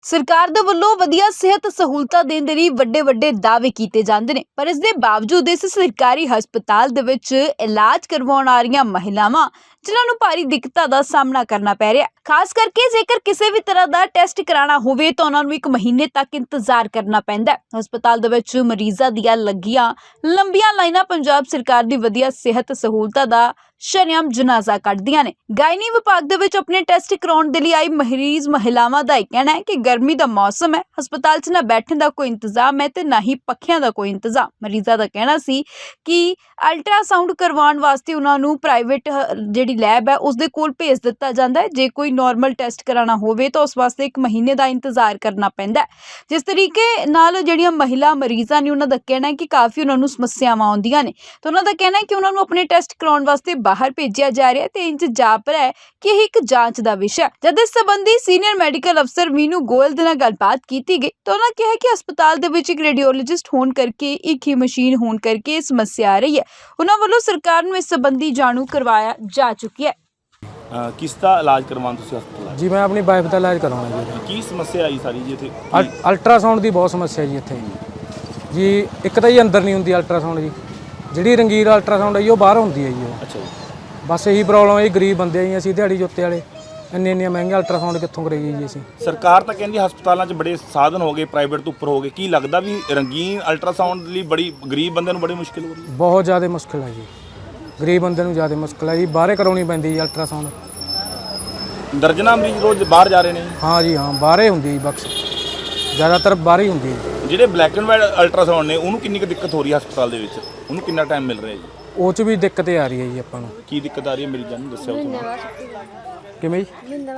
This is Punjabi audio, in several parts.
ਸਰਕਾਰ ਦੇ ਵੱਲੋਂ ਵਧੀਆ ਸਿਹਤ ਸਹੂਲਤਾਂ ਦੇਣ ਦੇ ਲਈ ਵੱਡੇ ਦਾਅਵੇ ਕੀਤੇ ਜਾਂਦੇ ਨੇ, ਪਰ ਇਸ ਦੇ ਬਾਵਜੂਦ ਇਸ ਸਰਕਾਰੀ ਹਸਪਤਾਲ ਦੇ ਵਿੱਚ ਇਲਾਜ ਕਰਵਾਉਣ ਆ ਰਹੀਆਂ ਮਹਿਲਾਵਾਂ ਜਿਨ੍ਹਾਂ ਨੂੰ ਭਾਰੀ ਦਿੱਕਤਾਂ ਦਾ ਸਾਹਮਣਾ ਕਰਨਾ ਪੈ ਰਿਹਾ। ਖਾਸ ਕਰਕੇ ਜੇਕਰ ਕਿਸੇ ਵੀ ਤਰ੍ਹਾਂ ਦਾ ਟੈਸਟ ਕਰਾਉਣਾ ਹੋਵੇ ਤਾਂ ਉਹਨਾਂ ਨੂੰ 1 ਮਹੀਨੇ ਤੱਕ ਇੰਤਜ਼ਾਰ ਕਰਨਾ ਪੈਂਦਾ ਹੈ। ਹਸਪਤਾਲ ਦੇ ਵਿੱਚ ਮਰੀਜ਼ਾਂ ਦੀਆਂ ਲੱਗੀਆਂ ਲੰਬੀਆਂ ਲਾਈਨਾਂ ਪੰਜਾਬ ਸਰਕਾਰ ਦੀ ਵਧੀਆ ਸਿਹਤ ਸਹੂਲਤਾਂ ਦਾ ਸ਼ਰੇਆਮ ਜਨਾਜ਼ਾ ਕੱਢਦੀਆਂ ਨੇ। ਗਾਇਨੀ ਵਿਭਾਗ ਦੇ ਵਿੱਚ ਆਪਣੇ ਟੈਸਟ ਕਰਾਉਣ ਦੇ ਲਈ ਆਈ ਮਰੀਜ਼ ਮਹਿਲਾਵਾਂ ਦਾ ਇਹ ਕਹਿਣਾ ਹੈ ਕਿ ਗਰਮੀ ਦਾ ਮੌਸਮ ਹੈ, ਹਸਪਤਾਲ 'ਚ ਨਾ ਬੈਠਣ ਦਾ ਕੋਈ ਇੰਤਜ਼ਾਮ ਹੈ ਤੇ ਨਾ ਹੀ ਪੱਖਿਆਂ ਦਾ ਕੋਈ ਇੰਤਜ਼ਾਮ। ਮਰੀਜ਼ਾਂ ਦਾ ਕਹਿਣਾ ਸੀ ਕਿ ਅਲਟਰਾਸਾਊਂਡ ਕਰਵਾਉਣ ਵਾਸਤੇ ਉਹਨਾਂ ਨੂੰ ਪ੍ਰਾਈਵੇਟ ਜਿਹੜੀ ਲੈਬ ਹੈ ਉਸ ਦੇ ਕੋਲ ਭੇਜ ਦਿੱਤਾ ਜਾਂਦਾ ਹੈ। ਜੇ ਕੋਈ ਨਾਰਮਲ ਟੈਸਟ ਕਰਾਉਣਾ ਹੋਵੇ ਤਾਂ ਉਸ ਵਾਸਤੇ 1 ਮਹੀਨੇ ਦਾ ਇੰਤਜ਼ਾਰ ਕਰਨਾ ਪੈਂਦਾ ਹੈ। ਜਿਸ ਤਰੀਕੇ ਨਾਲ ਜਿਹੜੀਆਂ ਮਹਿਲਾ ਮਰੀਜ਼ਾਂ ਨੇ ਉਹਨਾਂ ਦਾ ਕਹਿਣਾ ਹੈ ਕਿ ਕਾਫੀ ਉਹਨਾਂ ਨੂੰ ਸਮੱਸਿਆਵਾਂ ਆਉਂਦੀਆਂ ਨੇ ਤਾਂ ਉਹਨਾਂ ਦਾ ਕਹਿਣਾ ਹੈ ਕਿ ਉਹਨਾਂ ਨੂੰ ਆਪਣੇ ਟੈਸਟ ਕਰਾਉਣ ਵਾਸਤੇ ਬਾਹਰ ਭੇਜਿਆ ਜਾ ਰਿਹਾ ਤੇ ਇੰਜ ਜਾਪ ਰਿਹਾ ਹੈ ਕਿ ਇਹ ਇੱਕ ਜਾਂਚ ਦਾ ਵਿਸ਼ਾ। ਜਦ ਇਸ ਸੰਬੰਧੀ ਸੀਨੀਅਰ ਮੈਡੀਕਲ ਅਫਸਰ ਮੀਨੂ ਗੋਇਲ ਦੇ ਨਾਲ ਗੱਲਬਾਤ ਕੀਤੀ ਗਈ ਤਾਂ ਉਹਨਾਂ ਕਿਹਾ ਕਿ ਹਸਪਤਾਲ ਦੇ ਵਿੱਚ ਇੱਕ ਰੇਡੀਓਲੋਜਿਸਟ ਹੋਣ ਕਰਕੇ ਇੱਕ ਹੀ ਮਸ਼ੀਨ ਹੋਣ ਕਰਕੇ ਇਹ ਸਮੱਸਿਆ ਆ ਰਹੀ ਹੈ। ਉਹਨਾਂ ਵੱਲੋਂ ਸਰਕਾਰ ਨੂੰ ਇਸ ਸੰਬੰਧੀ ਜਾਣੂ ਕਰਵਾਇਆ ਜਾ ਚੁੱਕਿਆ ਹੈ। किस का इलाज करवाना तुसीं हस्पताल जी मैं अपनी वाइफ का इलाज करवाना जी। की समस्या आई सारी जी इत्थे अल्ट्रासाउंड की बहुत समस्या जी इत्थे जी। एक तो जी अंदर नहीं होंगी अल्ट्रासाउंड जी, जी रंगीर अल्ट्रासाउंड है जी बाहर होंगी है जी। अच्छा जी, बस यही प्रॉब्लम है जी, गरीब बंदे जी असीं दिहाड़ी जोते वाले ਇੰਨੇ ਮਹਿੰਗੇ ਅਲਟਰਾਸਾਊਂਡ ਕਿੱਥੋਂ ਕਰਾਈਏ ਜੀ ਅਸੀਂ। ਸਰਕਾਰ ਤਾਂ ਕਹਿੰਦੀ ਹਸਪਤਾਲਾਂ 'ਚ ਬੜੇ ਸਾਧਨ ਹੋ ਗਏ, ਪ੍ਰਾਈਵੇਟ ਤੋਂ ਉੱਪਰ ਹੋ ਗਏ। ਕੀ ਲੱਗਦਾ ਵੀ ਰੰਗੀਨ ਅਲਟਰਾਸਾਊਂਡ ਲਈ ਬੜੀ ਗਰੀਬ ਬੰਦੇ ਨੂੰ ਬੜੀ ਮੁਸ਼ਕਿਲ ਹੋ ਰਹੀ ਹੈ? ਬਹੁਤ ਜ਼ਿਆਦਾ ਮੁਸ਼ਕਿਲ ਹੈ ਜੀ, ਗਰੀਬ ਬੰਦੇ ਨੂੰ ਜ਼ਿਆਦਾ ਮੁਸ਼ਕਿਲ ਹੈ ਜੀ। ਬਾਹਰੇ ਕਰਾਉਣੀ ਪੈਂਦੀ ਜੀ ਅਲਟਰਾਸਾਊਂਡ। ਦਰਜਨਾਂ ਮਰੀਜ਼ ਰੋਜ਼ ਬਾਹਰ ਜਾ ਰਹੇ ਨੇ? ਹਾਂ ਜੀ ਹਾਂ, ਬਾਹਰੇ ਹੁੰਦੀ ਜੀ ਬਕਸ, ਜ਼ਿਆਦਾਤਰ ਬਾਹਰ ਹੀ ਹੁੰਦੀ ਹੈ। ਜਿਹੜੇ ਬਲੈਕ ਐਂਡ ਵਾਈਟ ਅਲਟਰਾਸਾਊਂਡ ਨੇ ਉਹਨੂੰ ਕਿੰਨੀ ਕੁ ਦਿੱਕਤ ਹੋ ਰਹੀ ਹੈ ਹਸਪਤਾਲ ਦੇ ਵਿੱਚ? ਉਹਨੂੰ ਕਿੰਨਾ ਟਾਈਮ ਮਿਲ ਰਿਹਾ ਜੀ? ਉਹ 'ਚ ਵੀ ਦਿੱਕਤ ਆ ਰਹੀ ਹੈ ਜੀ ਆਪਾਂ ਨੂੰ। ਕੀ ਦਿੱਕਤ ਆ ਰਹੀ ਹੈ ਮਰੀਜ਼ਾਂ ਨੂੰ ਦੱਸਿਓ ਕਿਵੇਂ ਜੀ?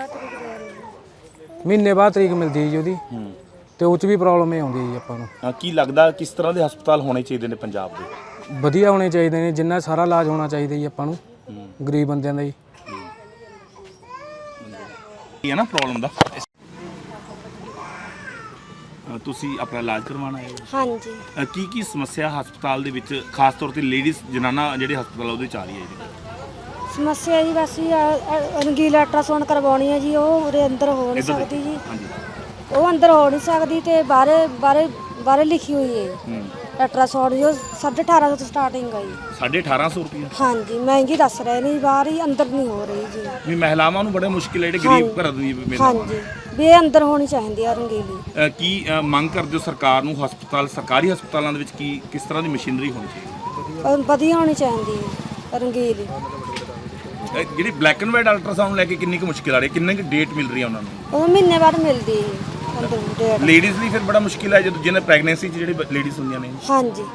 ਮਹੀਨੇ ਬਾਅਦ ਤਰੀਕ ਮਿਲਦੀ ਹੈ ਜੀ ਉਹਦੀ, ਤੇ ਉਹ 'ਚ ਵੀ ਪ੍ਰੋਬਲਮ ਇਹ ਆਉਂਦੀ ਹੈ ਜੀ ਆਪਾਂ ਨੂੰ। ਕੀ ਲੱਗਦਾ ਕਿਸ ਤਰ੍ਹਾਂ ਦੇ ਹਸਪਤਾਲ ਹੋਣੇ ਚਾਹੀਦੇ ਨੇ ਪੰਜਾਬ ਦੇ? ਵਧੀਆ ਹੋਣੇ ਚਾਹੀਦੇ ਨੇ, ਜਿੰਨਾ ਸਾਰਾ ਇਲਾਜ ਹੋਣਾ ਚਾਹੀਦਾ ਜੀ ਆਪਾਂ ਨੂੰ, ਗਰੀਬ ਬੰਦਿਆਂ ਦਾ ਜੀ। ਇਹ ਹੈ ਨਾ ਪ੍ਰੋਬਲਮ ਦਾ। ਤੁਸੀਂ ਆਪਣਾ ਇਲਾਜ ਕਰਵਾਉਣਾ ਹੈ? ਹਾਂਜੀ। ਕੀ ਸਮੱਸਿਆ ਹਸਪਤਾਲ ਦੇ ਵਿੱਚ ਖਾਸ ਤੌਰ ਤੇ ਲੇਡੀਜ਼ ਜਨਾਨਾ ਜਿਹੜੇ ਹਸਪਤਾਲ ਉਹਦੇ ਚ ਆ ਰਹੀ ਹੈ ਜੀ? ਸਮੱਸਿਆ ਜੀ ਬਸ ਰੰਗੀਲਾ ਅਲਟਰਾਸਾਊਂਡ ਕਰਵਾਉਣੀ ਹੈ ਜੀ, ਉਹ ਉਹਦੇ ਅੰਦਰ ਹੋ ਨਹੀਂ ਸਕਦੀ ਜੀ। ਉਹ ਅੰਦਰ ਹੋ ਨਹੀਂ ਸਕਦੀ ਤੇ ਬਾਹਰੇ ਲਿਖੀ ਹੋਈ ਹੈ ਅਲਟਰਾਸਾਊਂਡ ਜੋ 1850 ਤੋਂ ਸਟਾਰਟਿੰਗ ਹੈ ਜੀ। 1850 ਰੁਪਏ? ਹਾਂਜੀ, ਮਹਿੰਗੀ ਦੱਸ ਰਹੇ ਨੇ, ਬਾਹਰ ਹੀ ਅੰਦਰ ਨਹੀਂ ਹੋ ਰਹੀ ਜੀ। ਵੀ ਮਹਿਲਾਵਾਂ ਨੂੰ ਬੜਾ ਮੁਸ਼ਕਿਲ ਹੈ ਜਿਹੜੇ ਗਰੀਬ ਘਰ ਦੀ ਹਾਂਜੀ, ਵੀ ਇਹ ਅੰਦਰ ਹੋਣੀ ਚਾਹੀਦੀ ਆ ਰੰਗੀਲੀ। ਕੀ ਮੰਗ ਕਰਦੇ ਹੋ ਸਰਕਾਰ ਨੂੰ? ਹਸਪਤਾਲ ਸਰਕਾਰੀ ਹਸਪਤਾਲਾਂ ਦੇ ਵਿੱਚ ਕਿਸ ਤਰ੍ਹਾਂ ਦੀ ਮਸ਼ੀਨਰੀ ਹੋਣੀ ਚਾਹੀਦੀ? ਵਧੀਆ ਹੋਣੀ ਚਾਹੀਦੀ ਹੈ ਰੰਗੀਲੀ। ਜਿਹੜੀ ਬਲੈਕ ਐਂਡ ਵਾਈਟ ਅਲਟਰਾਸਾਊਂਡ ਲੈ ਕੇ ਕਿੰਨੀ ਕੁ ਮੁਸ਼ਕਿਲ ਆ ਰਹੀ ਹੈ? ਕਿੰਨੀ ਕੁ ਡੇਟ ਮਿਲ ਰਹੀ ਹੈ ਉਹਨਾਂ ਨੂੰ? ਉਹ ਮਹੀਨੇ ਬਾਅਦ ਮਿਲਦੀ ਹੈ ਅੰਦਰ ਡੇਟ। ਲੇਡੀਜ਼ ਲਈ ਫਿਰ ਬੜਾ ਮੁਸ਼ਕਿਲ ਹੈ ਜਦੋਂ ਜਿਹਨੇ ਪ੍ਰੈਗਨੈਂਸੀ 'ਚ ਜਿਹੜੀ ਲੇਡੀਜ਼ ਹੁੰਦੀਆਂ ਨੇ। ਹਾਂਜੀ।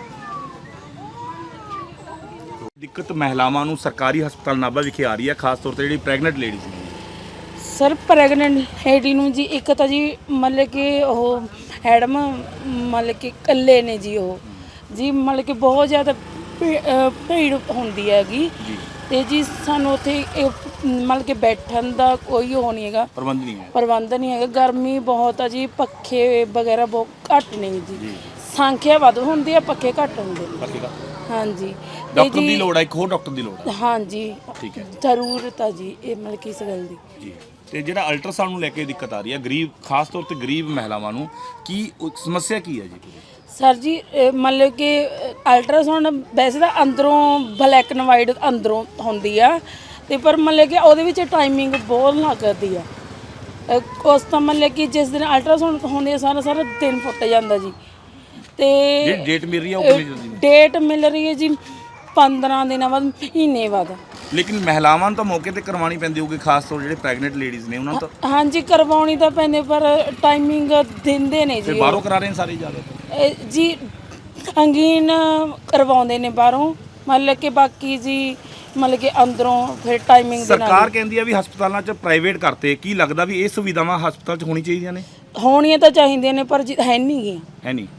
ਦਿੱਕਤ ਮਹਿਲਾਵਾਂ ਨੂੰ ਸਰਕਾਰੀ ਹਸਪਤਾਲ ਨਾਭਾ ਵਿਖੇ ਆ ਰਹੀ ਹੈ, ਖਾਸ ਤੌਰ ਤੇ ਜਿਹੜੀ ਪ੍ਰੈਗਨੈਂਟ ਲੇਡੀਜ਼ ਨੇ। ਸਰ ਪ੍ਰੈਗਨੈਂਟ ਲੇਡੀ ਨੂੰ ਜੀ ਇੱਕ ਤਾਂ ਜੀ ਮਤਲਬ ਕਿ ਉਹ ਮੈਡਮ ਮਤਲਬ ਕਿ ਇਕੱਲੇ ਨੇ ਜੀ, ਉਹ ਜੀ ਮਤਲਬ ਕਿ ਬਹੁਤ ਜ਼ਿਆਦਾ ਭੀੜ ਹੁੰਦੀ ਹੈਗੀ ਤੇ ਜੀ ਸਾਨੂੰ ਉੱਥੇ ਮਤਲਬ ਕਿ ਬੈਠਣ ਦਾ ਕੋਈ ਉਹ ਨਹੀਂ ਹੈਗਾ, ਪ੍ਰਬੰਧ ਨਹੀਂ ਹੈਗਾ। ਗਰਮੀ ਬਹੁਤ ਆ ਜੀ, ਪੱਖੇ ਵਗੈਰਾ ਬਹੁਤ ਘੱਟ ਨੇ ਜੀ। ਸੰਖਿਆ ਵੱਧ ਹੁੰਦੀ ਆ, ਪੱਖੇ ਘੱਟ ਹੁੰਦੇ ਨੇ। ਹਾਂਜੀ। ਡਾਕਟਰ ਦੀ ਲੋੜ ਹੈ, ਇੱਕ ਹੋਰ ਡਾਕਟਰ ਦੀ ਲੋੜ ਹੈ। ਹਾਂਜੀ, ਠੀਕ ਹੈ, ਜ਼ਰੂਰਤ ਆ ਜੀ ਇਹ ਮਤਲਬ ਕਿ ਇਸ ਗੱਲ ਦੀ ਜੀ। ਤੇ ਜਿਹੜਾ ਅਲਟਰਾਸਾਊਂਡ ਨੂੰ ਲੈ ਕੇ ਦਿੱਕਤ ਆ ਰਹੀ ਹੈ ਗਰੀਬ, ਖਾਸ ਤੌਰ ਤੇ ਗਰੀਬ ਮਹਿਲਾਵਾਂ ਨੂੰ, ਕੀ ਸਮੱਸਿਆ ਕੀ ਹੈ ਜੀ? ਸਰ ਜੀ ਮਤਲਬ ਕਿ ਅਲਟਰਾਸਾਊਂਡ ਵੈਸੇ ਤਾਂ ਅੰਦਰੋਂ ਬਲੈਕ ਐਂਡ ਵਾਈਟ ਅੰਦਰੋਂ ਹੁੰਦੀ ਆ ਤੇ ਪਰ ਮਤਲਬ ਕਿ ਉਹਦੇ ਵਿੱਚ ਟਾਈਮਿੰਗ ਬਹੁਤ ਲੱਗਦੀ ਆ। ਉਸ ਤਾਂ ਮਤਲਬ ਕਿ ਜਿਸ ਦਿਨ ਅਲਟਰਾਸਾਊਂਡ ਹੁੰਦੀ ਆ ਸਾਰਾ ਦਿਨ ਫੁੱਟ ਜਾਂਦਾ ਜੀ। ਤੇ ਜਿਹੜੀ ਡੇਟ ਮਿਲ ਰਹੀ ਹੈ ਉਹ ਕਿੰਨੀ ਜਲਦੀ? ਡੇਟ ਮਿਲ ਰਹੀ ਹੈ ਜੀ 15 ਦਿਨਾਂ ਬਾਅਦ, ਮਹੀਨੇ ਬਾਅਦ। ਲੇਕਿਨ ਮਹਿਲਾਵਾਂ ਨੂੰ ਤਾਂ ਮੌਕੇ ਤੇ ਕਰਵਾਉਣੀ ਪੈਂਦੀ ਹੋਊਗੀ, ਖਾਸ ਤੌਰ ਜਿਹੜੇ ਪ੍ਰੈਗਨੈਂਟ ਲੇਡੀਜ਼ ਨੇ ਉਹਨਾਂ ਨੂੰ ਤਾਂ। ਹਾਂਜੀ, ਕਰਵਾਉਣੀ ਤਾਂ ਪੈਂਦੀ ਪਰ ਟਾਈਮਿੰਗ ਦਿੰਦੇ ਨੇ ਜੀ। ਬਾਹਰੋਂ ਕਰਾ ਰਹੇ ਨੇ ਸਾਰੇ ਜ਼ਿਆਦਾ ਜੀ, ਅੰਗੀਨ ਕਰਵਾਉਂਦੇ ਨੇ ਬਾਹਰੋਂ, ਮਤਲਬ ਕਿ ਬਾਕੀ ਜੀ ਮਤਲਬ ਕਿ ਅੰਦਰੋਂ ਫਿਰ ਟਾਈਮਿੰਗ ਦੇ ਨਾਲ। ਸਰਕਾਰ ਕਹਿੰਦੀ ਆ ਵੀ ਹਸਪਤਾਲਾਂ 'ਚ ਪ੍ਰਾਈਵੇਟ ਕਰਤੇ, ਕੀ ਲੱਗਦਾ ਵੀ ਇਹ ਸੁਵਿਧਾਵਾਂ ਹਸਪਤਾਲ 'ਚ ਹੋਣੀ ਚਾਹੀਦੀਆਂ ਨੇ? ਹੋਣੀਆਂ ਤਾਂ ਚਾਹੀਦੀਆਂ ਨੇ ਪਰ ਹੈ ਨਹੀਂ ਗੀਆਂ। ਹੈ ਨਹੀਂ।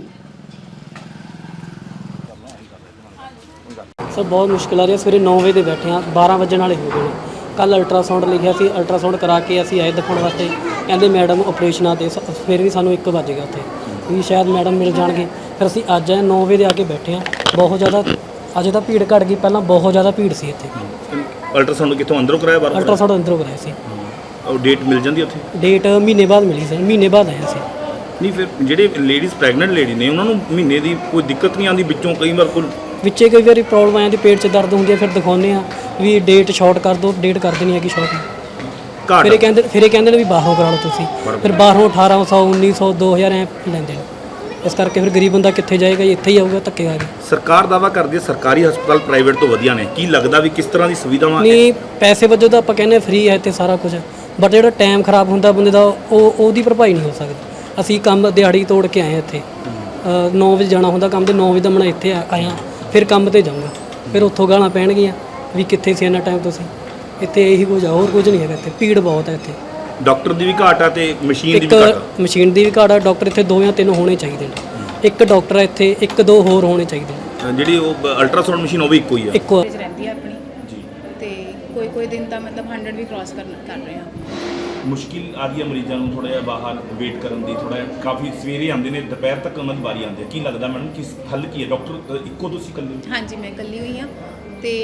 ਸਰ ਬਹੁਤ ਮੁਸ਼ਕਿਲ ਆ ਰਹੀ ਹੈ। ਸਵੇਰੇ 9 ਵਜੇ ਦੇ ਬੈਠੇ ਆ, 12 ਵਜਣ ਵਾਲੇ ਹੋ ਗਏ ਨੇ। ਕੱਲ ਅਲਟਰਾਸਾਊਂਡ ਲਿਖਿਆ ਸੀ, ਅਲਟਰਾਸਾਊਂਡ ਕਰਾ ਕੇ ਅਸੀਂ ਆਏ ਦਿਖਾਉਣ ਵਾਸਤੇ, ਕਹਿੰਦੇ ਮੈਡਮ ਆਪਰੇਸ਼ਨ ਆ, ਤੇ ਫਿਰ ਵੀ ਸਾਨੂੰ 1 ਵੱਜ ਗਿਆ ਉੱਥੇ ਵੀ ਸ਼ਾਇਦ ਮੈਡਮ ਮਿਲ ਜਾਣਗੇ। ਫਿਰ ਅਸੀਂ ਅੱਜ ਆਏ 9 ਵਜੇ ਦੇ ਆ ਕੇ ਬੈਠੇ ਆ। ਬਹੁਤ ਜ਼ਿਆਦਾ ਅੱਜ ਤਾਂ ਭੀੜ ਘੱਟ ਗਈ, ਪਹਿਲਾਂ ਬਹੁਤ ਜ਼ਿਆਦਾ ਭੀੜ ਸੀ ਇੱਥੇ। ਅਲਟਰਾਸਾਊਂਡ ਕਿੱਥੋਂ ਅੰਦਰੋਂ ਕਰਾਇਆ ਬਾਹਰੋਂ? ਅਲਟਰਾਸਾਊਂਡ ਅੰਦਰੋਂ ਕਰਾਇਆ ਸੀ। ਉਹ ਡੇਟ ਮਿਲ ਜਾਂਦੀ ਉੱਥੇ? ਡੇਟ ਮਹੀਨੇ ਬਾਅਦ ਮਿਲੀ ਸਰ, ਮਹੀਨੇ ਬਾਅਦ ਆਏ ਅਸੀਂ। ਨਹੀਂ ਫਿਰ ਜਿਹੜੇ ਲੇਡੀਜ਼ ਪ੍ਰੈਗਨੈਂਟ ਲੇਡੀ ਨੇ ਉਹਨਾਂ ਨੂੰ ਮਹੀਨੇ ਦੀ ਕੋਈ ਦਿੱਕਤ ਨਹੀਂ ਆਉਂਦੀ ਵਿੱਚੋਂ ਕਈ ਵਾਰ ਕੋਈ ਵਿੱਚੇ ਕਈ ਵਾਰੀ ਪ੍ਰੋਬਲਮ ਆ ਜਾਂਦੀ, ਪੇਟ 'ਚ ਦਰਦ ਹੁੰਦੀ ਹੈ, ਫਿਰ ਦਿਖਾਉਂਦੇ ਆ ਵੀ ਡੇਟ ਸ਼ਾਰਟ ਕਰ ਦਿਓ, ਡੇਟ ਕਰ ਦੇਣੀ ਹੈਗੀ ਸ਼ਾਰਟ। ਘਾਟ? ਫਿਰ ਇਹ ਕਹਿੰਦੇ ਨੇ ਵੀ ਬਾਹਰੋਂ ਕਰਾ ਲਓ ਤੁਸੀਂ, ਫਿਰ ਬਾਹਰੋਂ 1800 1900 2000 ਐ ਲੈਂਦੇ ਨੇ। ਇਸ ਕਰਕੇ ਫਿਰ ਗਰੀਬ ਬੰਦਾ ਕਿੱਥੇ ਜਾਏਗਾ ਜੀ, ਇੱਥੇ ਹੀ ਆਊਗਾ ਧੱਕੇ ਖਾ ਕੇ। ਸਰਕਾਰ ਦਾਵਾ ਕਰਦੀ ਹੈ ਸਰਕਾਰੀ ਹਸਪਤਾਲ ਪ੍ਰਾਈਵੇਟ ਤੋਂ ਵਧੀਆ ਨੇ, ਕੀ ਲੱਗਦਾ ਵੀ ਕਿਸ ਤਰ੍ਹਾਂ ਦੀ ਸੁਵਿਧਾਵਾਂ? ਨਹੀਂ, ਪੈਸੇ ਵਜੋਂ ਤਾਂ ਆਪਾਂ ਕਹਿੰਦੇ ਫ੍ਰੀ ਹੈ ਤੇ ਸਾਰਾ ਕੁਝ, ਬਟ ਜਿਹੜਾ ਟਾਈਮ ਖਰਾਬ ਹੁੰਦਾ ਬੰਦੇ ਦਾ ਉਹਦੀ ਭਰਪਾਈ ਨਹੀਂ ਹੋ ਸਕਦੀ। ਅਸੀਂ ਕੰਮ ਦਿਹਾੜੀ ਤੋੜ ਕੇ ਆਏ ਇੱਥੇ, 9 ਵਜੇ ਜਾਣਾ ਹੁੰਦਾ ਕੰਮ ਤੇ, 9 ਵਜੇ ਦਾ ਮੈਂ ਇੱਥੇ ਆਇਆ, ਫਿਰ ਕੰਮ ਤੇ ਜਾਊਂਗਾ, ਫਿਰ ਉੱਥੋਂ ਗਾਲਾਂ ਪੈਣਗੀਆਂ ਵੀ ਕਿੱਥੇ ਸੀ ਇੰਨਾ ਟਾਈਮ ਤੁਸੀਂ। ਇੱਥੇ ਇਹੀ ਕੁਝ ਆ, ਹੋਰ ਕੁਝ ਨਹੀਂ ਹੈਗਾ ਇੱਥੇ, ਭੀੜ ਬਹੁਤ ਹੈ ਇੱਥੇ। ਡਾਕਟਰ ਦੀ ਵੀ ਘਾਟ ਆ ਤੇ ਮਸ਼ੀਨ ਦੀ ਇੱਕ ਵੀ ਘਾਟ ਆ। ਮਸ਼ੀਨ ਦੀ ਵੀ ਘਾਟ ਆ, ਡਾਕਟਰ ਇੱਥੇ 2 ਜਾਂ 3 ਹੋਣੇ ਚਾਹੀਦੇ ਨੇ। ਇੱਕ ਡਾਕਟਰ ਹੈ ਇੱਥੇ, 1-2 ਹੋਰ ਹੋਣੇ ਚਾਹੀਦੇ ਨੇ। ਜਿਹੜੀ ਉਹ ਅਲਟਰਾਸਾਊਂਡ ਮਸ਼ੀਨ ਉਹ ਵੀ ਇੱਕੋ ਹੀ ਆ? ਇੱਕੋ ਐਵਰੇਜ ਰਹਿੰਦੀ ਹੈ ਆਪਣੀ ਜੀ। ਤੇ ਕੋਈ ਦਿਨ ਤਾਂ ਮਤਲਬ 100 ਵੀ ਕ੍ਰਾਸ ਕਰ ਰਹੇ ਹਾਂ। ਮੁਸ਼ਕਿਲ ਆ ਰਹੀ ਹੈ ਮਰੀਜ਼ਾਂ ਨੂੰ ਥੋੜਾ ਜਿਹਾ ਬਾਹਰ ਵੇਟ ਕਰਨ ਦੀ, ਥੋੜਾ ਜਿਹਾ ਕਾਫੀ ਸਵੇਰੇ ਆਉਂਦੇ ਨੇ, ਦੁਪਹਿਰ ਤੱਕ ਉਹਨਾਂ ਦੀ ਵਾਰੀ ਆਉਂਦੀ ਹੈ। ਕੀ ਲੱਗਦਾ ਮੈਡਮ ਕਿਸ ਹੱਲ ਕੀ ਹੈ? ਡਾਕਟਰ ਇੱਕੋ ਤੁਸੀਂ ਇਕੱਲੇ ਹੋ? ਹਾਂਜੀ, ਮੈਂ ਇਕੱਲੀ ਹੋਈ ਹਾਂ ਤੇ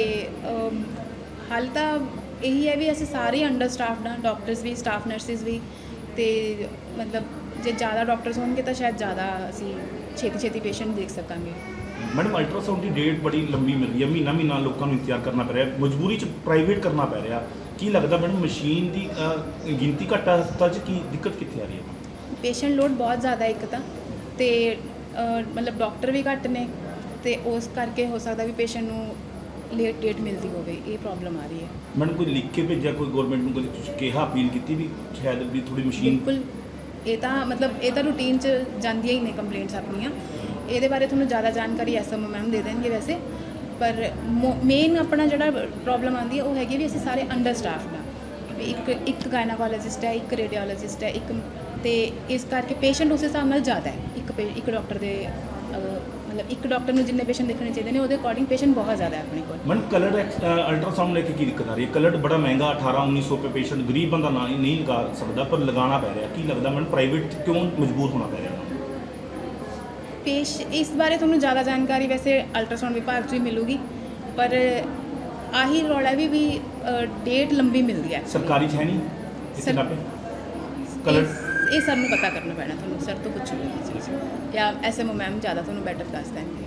ਹੱਲ ਤਾਂ ਇਹੀ ਹੈ ਵੀ ਅਸੀਂ ਸਾਰੇ ਅੰਡਰ ਸਟਾਫਡ ਹਾਂ, ਡਾਕਟਰਸ ਵੀ, ਸਟਾਫ ਨਰਸਿਸ ਵੀ। ਤੇ ਮਤਲਬ ਜੇ ਜ਼ਿਆਦਾ ਡਾਕਟਰਸ ਹੋਣਗੇ ਤਾਂ ਸ਼ਾਇਦ ਜ਼ਿਆਦਾ ਅਸੀਂ ਛੇਤੀ ਪੇਸ਼ੈਂਟ ਦੇਖ ਸਕਾਂਗੇ। ਮੈਡਮ ਅਲਟਰਾਸਾਊਂਡ ਦੀ ਡੇਟ ਬੜੀ ਲੰਬੀ ਮਿਲ ਰਹੀ ਹੈ, ਮਹੀਨਾ ਲੋਕਾਂ ਨੂੰ ਇੰਤਜ਼ਾਰ ਕਰਨਾ ਪੈ ਰਿਹਾ, ਮਜਬੂਰੀ 'ਚ ਪ੍ਰਾਈਵੇਟ ਕਰਨਾ ਪੈ ਰਿਹਾ। ਕੀ ਲੱਗਦਾ ਮੈਡਮ ਮਸ਼ੀਨ ਦੀ ਗਿਣਤੀ ਘੱਟ ਆ ਹਸਪਤਾਲ 'ਚ, ਕੀ ਦਿੱਕਤ ਕਿੱਥੇ ਆ ਰਹੀ ਹੈ? ਪੇਸ਼ੈਂਟ ਲੋਡ ਬਹੁਤ ਜ਼ਿਆਦਾ ਇੱਕ ਤਾਂ, ਤੇ ਮਤਲਬ ਡਾਕਟਰ ਵੀ ਘੱਟ ਨੇ, ਤੇ ਉਸ ਕਰਕੇ ਹੋ ਸਕਦਾ ਵੀ ਪੇਸ਼ੈਂਟ ਨੂੰ ਲੇਟ ਡੇਟ ਮਿਲਦੀ ਹੋਵੇ, ਇਹ ਪ੍ਰੋਬਲਮ ਆ ਰਹੀ ਹੈ। ਮੈਡਮ ਕੋਈ ਲਿਖ ਕੇ ਭੇਜਿਆ ਕੋਈ ਗਵਰਨਮੈਂਟ ਨੂੰ, ਕਦੇ ਤੁਸੀਂ ਕਿਹਾ ਅਪੀਲ ਕੀਤੀ ਵੀ ਸ਼ਾਇਦ ਵੀ ਥੋੜੀ ਮਸ਼ੀਨ? ਬਿਲਕੁਲ, ਇਹ ਤਾਂ ਰੂਟੀਨ 'ਚ ਜਾਂਦੀਆਂ ਹੀ ਨੇ ਕੰਪਲੇਂਟਸ ਆਪਣੀਆਂ। ਇਹਦੇ ਬਾਰੇ ਤੁਹਾਨੂੰ ਜ਼ਿਆਦਾ ਜਾਣਕਾਰੀ ਐਸਐਮਓ ਮੈਮ ਦੇ ਦੇਣਗੇ ਵੈਸੇ, ਪਰ ਮੇਨ ਆਪਣਾ ਜਿਹੜਾ ਪ੍ਰੋਬਲਮ ਆਉਂਦੀ ਹੈ ਉਹ ਹੈਗੀ ਵੀ ਅਸੀਂ ਸਾਰੇ ਅੰਡਰ ਸਟਾਫਡ ਹਾਂ, ਵੀ ਇੱਕ ਗਾਇਨਾਕੋਲੋਜਿਸਟ ਹੈ, ਇੱਕ ਰੇਡੀਓਲੋਜਿਸਟ ਹੈ, ਇੱਕ, ਤੇ ਇਸ ਕਰਕੇ ਪੇਸ਼ੈਂਟ ਉਸ ਹਿਸਾਬ ਨਾਲ ਜ਼ਿਆਦਾ ਹੈ। ਇੱਕ ਡਾਕਟਰ ਦੇ ਮਤਲਬ ਇੱਕ ਡਾਕਟਰ ਨੂੰ ਜਿੰਨੇ ਪੇਸ਼ੈਂਟ ਦੇਖਣੇ ਚਾਹੀਦੇ ਨੇ ਉਹਦੇ ਅਕੋਰਡਿੰਗ ਪੇਸ਼ੈਂਟ ਬਹੁਤ ਜ਼ਿਆਦਾ ਹੈ ਆਪਣੇ ਕੋਲ। ਮੈਡਮ ਕਲਰਡ ਅਲਟਰਾਸਾਊਂਡ ਲੈ ਕੇ ਕੀ ਦਿੱਕਤ ਆ ਰਹੀ ਹੈ? ਕਲਰਡ ਬੜਾ ਮਹਿੰਗਾ, 1800-1900 ਰੁਪਏ ਪੇਸ਼ੈਂਟ ਗਰੀਬ ਬੰਦਾ ਨਹੀਂ ਲਗਾ ਸਕਦਾ, ਪਰ ਲਗਾਉਣਾ ਪੈ ਰਿਹਾ। ਕੀ ਲੱਗਦਾ ਮੈਡਮ ਪ੍ਰਾਈਵੇਟ ਕਿਉਂ ਮਜਬੂਰ ਹੋਣਾ ਪੈ ਰਿਹਾ? ਇਸ ਬਾਰੇ ਤੁਹਾਨੂੰ ਜ਼ਿਆਦਾ ਜਾਣਕਾਰੀ ਵੈਸੇ ਅਲਟਰਾਸਾਊਂਡ ਵਿਭਾਗ 'ਚ ਹੀ ਮਿਲੂਗੀ, ਪਰ ਆਹੀ ਰੌਲਾ ਵੀ ਡੇਟ ਲੰਬੀ ਮਿਲਦੀ ਹੈ। ਸਰਕਾਰੀ 'ਚ ਹੈ ਨਹੀਂ ਇੱਥੇ ਨਾ ਪੇ ਕਲਰਡ? ਇਹ ਸਰ ਨੂੰ ਪਤਾ ਕਰਨਾ ਪੈਣਾ, ਤੁਹਾਨੂੰ ਸਰ ਤੋਂ ਪੁੱਛੂਗੀ ਇਹ ਚੀਜ਼, ਜਾਂ ਐਸਐਮਓ ਮੈਮ ਜ਼ਿਆਦਾ ਤੁਹਾਨੂੰ ਬੈਟਰ ਦੱਸ ਦੇਣਗੇ।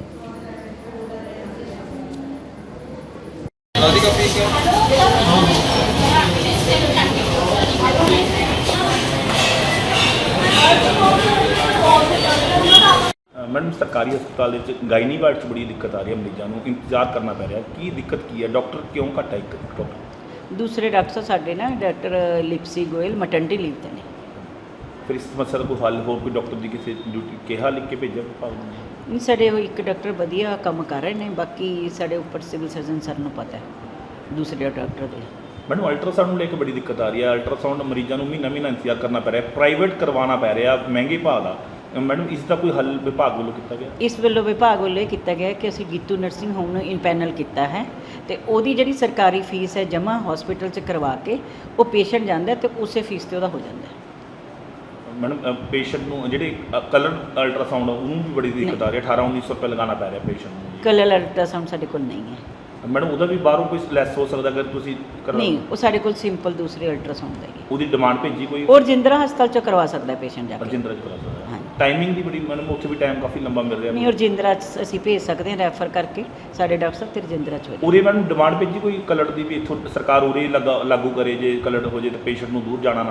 ਮੈਡਮ ਸਰਕਾਰੀ ਹਸਪਤਾਲ ਦੇ ਵਿੱਚ ਗਾਇਨੀ ਵਾਰਡ 'ਚ ਬੜੀ ਦਿੱਕਤ ਆ ਰਹੀ ਹੈ, ਮਰੀਜ਼ਾਂ ਨੂੰ ਇੰਤਜ਼ਾਰ ਕਰਨਾ ਪੈ ਰਿਹਾ। ਕੀ ਦਿੱਕਤ ਕੀ ਹੈ? ਡਾਕਟਰ ਕਿਉਂ ਘੱਟ ਹੈ? ਇੱਕ ਡਾਕਟਰ? ਦੂਸਰੇ ਡਾਕਟਰ ਸਾਡੇ ਨਾ doctor Lipsy Goyal maternity leave ਤੇ ਨੇ। ਫਿਰ ਇਸ ਸਮੱਸਿਆ ਦਾ ਕੋਈ ਹੱਲ, ਹੋਰ ਕੋਈ ਡਾਕਟਰ ਦੀ ਕਿਸੇ ਡਿਊਟੀ ਕਿਹਾ ਲਿਖ ਕੇ ਭੇਜਿਆ ਵਿਭਾਗ ਨੂੰ? ਨਹੀਂ, ਸਾਡੇ ਉਹ ਇੱਕ ਡਾਕਟਰ ਵਧੀਆ ਕੰਮ ਕਰ ਰਹੇ ਨੇ, ਬਾਕੀ ਸਾਡੇ ਉੱਪਰ ਸਿਵਲ ਸਰਜਨ ਸਰ ਨੂੰ ਪਤਾ ਹੈ ਦੂਸਰੇ ਡਾਕਟਰ ਦੇ। ਮੈਨੂੰ ਅਲਟਰਾਸਾਊਂਡ ਨੂੰ ਲੈ ਕੇ ਬੜੀ ਦਿੱਕਤ ਆ ਰਹੀ ਹੈ। ਅਲਟਰਾਸਾਊਂਡ ਮਰੀਜ਼ਾਂ ਨੂੰ ਮਹੀਨਾ ਇੰਤਜ਼ਾਰ ਕਰਨਾ ਪੈ ਰਿਹਾ, ਪ੍ਰਾਈਵੇਟ ਕਰਵਾਉਣਾ ਪੈ ਰਿਹਾ ਮਹਿੰਗੇ ਭਾਅ ਦਾ। ਮੈਡਮ ਇਸ ਦਾ ਕੋਈ ਹੱਲ ਵਿਭਾਗ ਵੱਲੋਂ ਕੀਤਾ ਗਿਆ? ਇਸ ਵੱਲੋਂ ਵਿਭਾਗ ਵੱਲੋਂ ਇਹ ਕੀਤਾ ਗਿਆ ਕਿ ਅਸੀਂ ਗੀਤੂ ਨਰਸਿੰਗ ਹੋਮ ਨੂੰ ਇਨਪੈਨਲ ਕੀਤਾ ਹੈ, ਤੇ ਉਹਦੀ ਜਿਹੜੀ ਸਰਕਾਰੀ ਫੀਸ ਹੈ ਜਮ੍ਹਾਂ ਹਸਪੀਟਲ 'ਚ ਕਰਵਾ ਕੇ ਉਹ ਪੇਸ਼ੈਂਟ ਜਾਂਦਾ ਤੇ ਉਸੇ ਫੀਸ 'ਤੇ ਉਹਦਾ ਹੋ ਜਾਂਦਾ। ਮੈਡਮ ਪੇਸ਼ੈਂਟ ਨੂੰ ਜਿਹੜੇ ਕਲਰ ਅਲਟਰਾਸਾਊਂਡ ਉਹਨੂੰ ਵੀ ਬੜੀ ਦਿੱਕਤ ਆ ਰਹੀ ਹੈ, 1800-1900 ਰੁਪਏ ਲਗਾਉਣਾ ਪੈ ਰਿਹਾ ਪੇਸ਼ੈਂਟ ਨੂੰ। ਕਲਰ ਅਲਟਰਾਸਾਊਂਡ ਸਾਡੇ ਕੋਲ ਨਹੀਂ ਹੈ ਮੈਡਮ, ਉਹਦਾ ਵੀ ਬਾਹਰੋਂ ਕੋਈ ਲੈਸ ਹੋ ਸਕਦਾ ਅਗਰ ਤੁਸੀਂ ਨਹੀਂ, ਉਹ ਸਾਡੇ ਕੋਲ ਸਿੰਪਲ ਦੂਸਰੇ ਅਲਟਰਾਸਾਊਂਡ ਦਾ ਹੀ ਹੈ। ਉਹਦੀ ਡਿਮਾਂਡ ਭੇਜੀ ਕੋਈ? ਉਹ ਰਜਿੰਦਰਾ ਹਸਪਤਾਲ 'ਚ ਕਰਵਾ ਸਕਦਾ ਪੇਸ਼ੈਂਟ ਜਾ ਕੇ। ਰਜਿੰਦਰਾ 'ਚ ਕਰਾ ਸਕਦਾ? ਹਾਂਜੀ। ਟਾਈਮਿੰਗ ਦੀ ਬੜੀ ਮੈਡਮ ਉੱਥੇ ਵੀ ਟਾਈਮ ਕਾਫੀ ਲੰਬਾ ਮਿਲ ਰਿਹਾ। ਨਹੀਂ, ਰਜਿੰਦਰਾ 'ਚ ਅਸੀਂ ਭੇਜ ਸਕਦੇ ਹਾਂ ਰੈਫਰ ਕਰਕੇ, ਸਾਡੇ ਡਾਕਟਰ ਸਾਹਿਬ ਤੇ ਰਜਿੰਦਰਾ 'ਚ ਹੋ ਜਾਏ। ਉਰੇ ਮੈਡਮ ਡਿਮਾਂਡ ਭੇਜੀ ਕੋਈ ਕਲਰ ਦੀ ਵੀ ਇੱਥੋਂ ਸਰਕਾਰ ਉਰੇ ਲਾਗੂ ਕਰੇ, ਜੇ ਕਲਰ ਹੋ ਜੇ ਤਾਂ ਪੇਸ਼ੈਂਟ ਨੂੰ ਦੂਰ ਜਾਣਾ